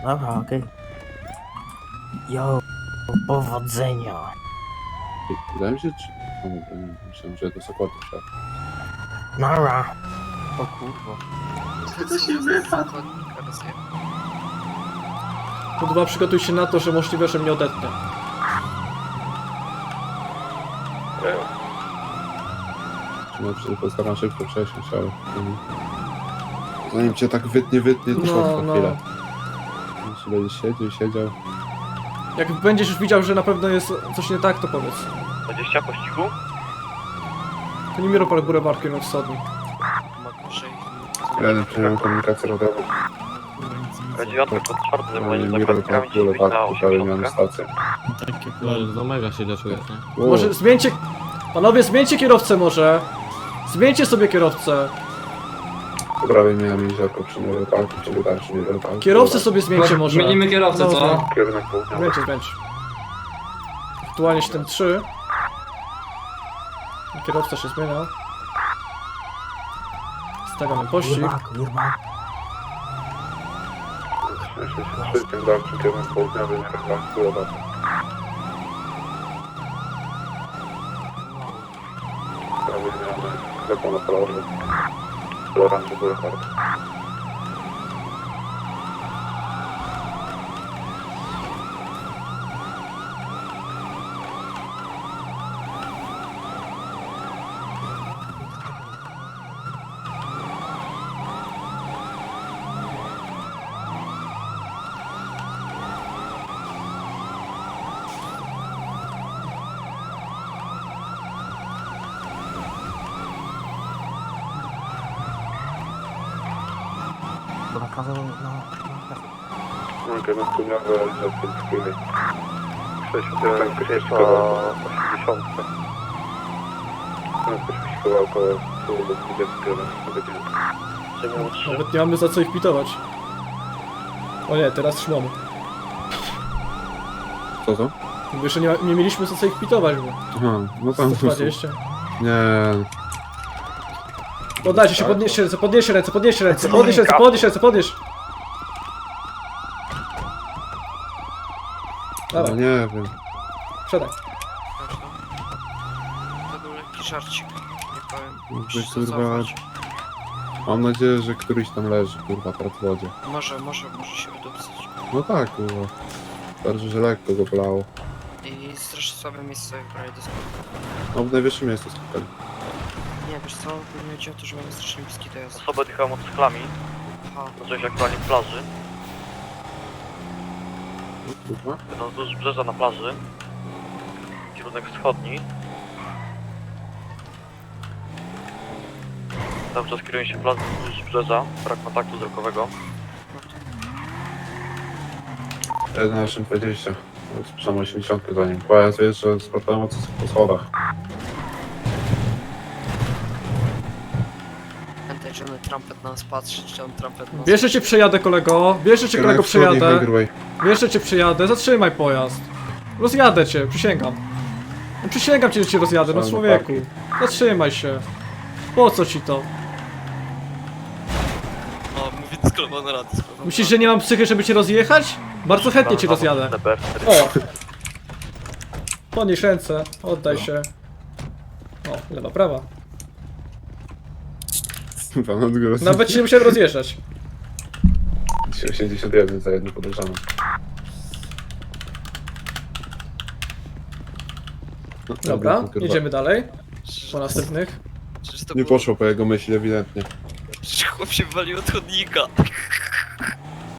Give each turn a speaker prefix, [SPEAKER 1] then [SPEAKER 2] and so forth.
[SPEAKER 1] Dobra, okej. Jo, powodzenia.
[SPEAKER 2] Wydaje mi się, czy... O, dobra, nie, myślałem, że to Sokoty szedł.
[SPEAKER 1] Nara.
[SPEAKER 3] O kurwa.
[SPEAKER 4] To się wypadł.
[SPEAKER 5] Kurwa, przygotuj się na to, że możliwe, że mnie odetnie.
[SPEAKER 2] No, postaram się szybko przesiąść, ale... Zanim cię tak wytnie, to trwa chwilę. Jeśli będziesz siedział...
[SPEAKER 5] Jak będziesz już widział, że na pewno jest coś nie tak, to powiedz.
[SPEAKER 3] 20 pościgu?
[SPEAKER 5] To nie Miropol Boulevard, kierunek wschodni.
[SPEAKER 2] Jeden przyjąłem komunikację radiową.
[SPEAKER 3] K9 pod czwartym zajmowaniem
[SPEAKER 2] Mirror
[SPEAKER 3] zakładnikami
[SPEAKER 2] Park
[SPEAKER 3] 9 na
[SPEAKER 2] Boulevard, tutaj miałem
[SPEAKER 3] 80.
[SPEAKER 2] stację.
[SPEAKER 6] No, mega się źle czujesz, nie?
[SPEAKER 2] Wow.
[SPEAKER 5] Może zmieńcie... Panowie, zmieńcie kierowcę może. Zmieńcie sobie kierowcę.
[SPEAKER 2] Po prawej miałem jeziorko przy Mirror Parku, czyli dalszy Mirror Park.
[SPEAKER 5] Kierowcę sobie zmieńcie może.
[SPEAKER 4] Zmienimy kierowcę,
[SPEAKER 5] No,
[SPEAKER 4] co?
[SPEAKER 2] Kierunek południowy.
[SPEAKER 5] Zmieńcie. Aktualnie 7-3. Kierowca się zmienia. Stawiamy pościg.
[SPEAKER 1] Kurwa.
[SPEAKER 2] 63, tym dalszym kierunek południowy Mirror Park Boulevard. Prawie zmiany sklepu na kolorze. Lorange Boulevard.
[SPEAKER 1] Bo nakazał,
[SPEAKER 2] Kierunek południowy Elizabeth Freeway.
[SPEAKER 3] 60 80.
[SPEAKER 2] Prędkość wyścigowa około 120 km na godzinę.
[SPEAKER 3] Przemiał 3.
[SPEAKER 5] Nawet nie mamy za co ich pitować. O nie, teraz szłamy.
[SPEAKER 2] Co?
[SPEAKER 5] Mówię, że nie mieliśmy za co ich pitować, bo
[SPEAKER 2] Aha, no tam...
[SPEAKER 5] 120.
[SPEAKER 2] Nie...
[SPEAKER 5] Poddajcie się, podnieście ręce, podnieście ręce, podnieście ręce, podnieś ręce, podnieś ręce, podnieś!
[SPEAKER 2] No
[SPEAKER 5] Dawaj,
[SPEAKER 2] nie wiem.
[SPEAKER 5] przedaj.
[SPEAKER 7] To był lekki żarcik, nie powiem.
[SPEAKER 2] Kurwa,
[SPEAKER 7] Muszę zacować.
[SPEAKER 2] Mam nadzieję, że któryś tam leży, kurwa, teraz w wodzie.
[SPEAKER 7] Może się wydupcyć.
[SPEAKER 2] No tak, kurwa. Bardzo, że lekko go bolało.
[SPEAKER 7] I strasznie słabe miejsce w prawie do skoku.
[SPEAKER 2] No w najwyższym miejscu skakali.
[SPEAKER 7] Nie, wiesz co, głównie chodzi o to, że mamy strasznie bliski dojazd.
[SPEAKER 3] Osoba odjechała motocyklami.
[SPEAKER 7] Aha,
[SPEAKER 3] Znaczy się aktualnie w plaży.
[SPEAKER 2] Kurwa?
[SPEAKER 3] Będą wzdłuż brzeża na plaży. Kierunek wschodni. Cały czas kierują się plaży wzdłuż brzeża. Brak kontaktu wzrokowego.
[SPEAKER 2] 11:20. Słyszałem 80 za nim. Pojazd jeszcze z problemem po schodach.
[SPEAKER 7] pamiętaj, że on trampet na nas patrzy, czy on trampet na nas
[SPEAKER 5] Bierze cię przejadę, kolego, bierze cię, kolego, przejadę.
[SPEAKER 2] Highway.
[SPEAKER 5] Bierze cię przejadę, zatrzymaj pojazd. Rozjadę cię, przysięgam. No, przysięgam cię, że cię rozjadę, no
[SPEAKER 2] Szalony
[SPEAKER 5] człowieku.
[SPEAKER 2] parking.
[SPEAKER 5] Zatrzymaj się. Po co ci to?
[SPEAKER 7] O, mówię sklep na rady.
[SPEAKER 5] Myślisz, że nie mam psychy, żeby cię rozjechać? Bardzo chętnie cię rozjadę. O! Podnieś ręce, oddaj się. O, lewa, prawa.
[SPEAKER 2] Pan odgłos.
[SPEAKER 5] Nawet się nie musiałem rozjeżdżać.
[SPEAKER 2] 81 za jednym podejrzanym. No,
[SPEAKER 5] Dobra,
[SPEAKER 2] kurwa.
[SPEAKER 5] jedziemy dalej. Po następnych.
[SPEAKER 7] Przecież to
[SPEAKER 2] Nie
[SPEAKER 7] było...
[SPEAKER 2] poszło po jego myśli ewidentnie.
[SPEAKER 7] Przecież chłop się walił od chodnika.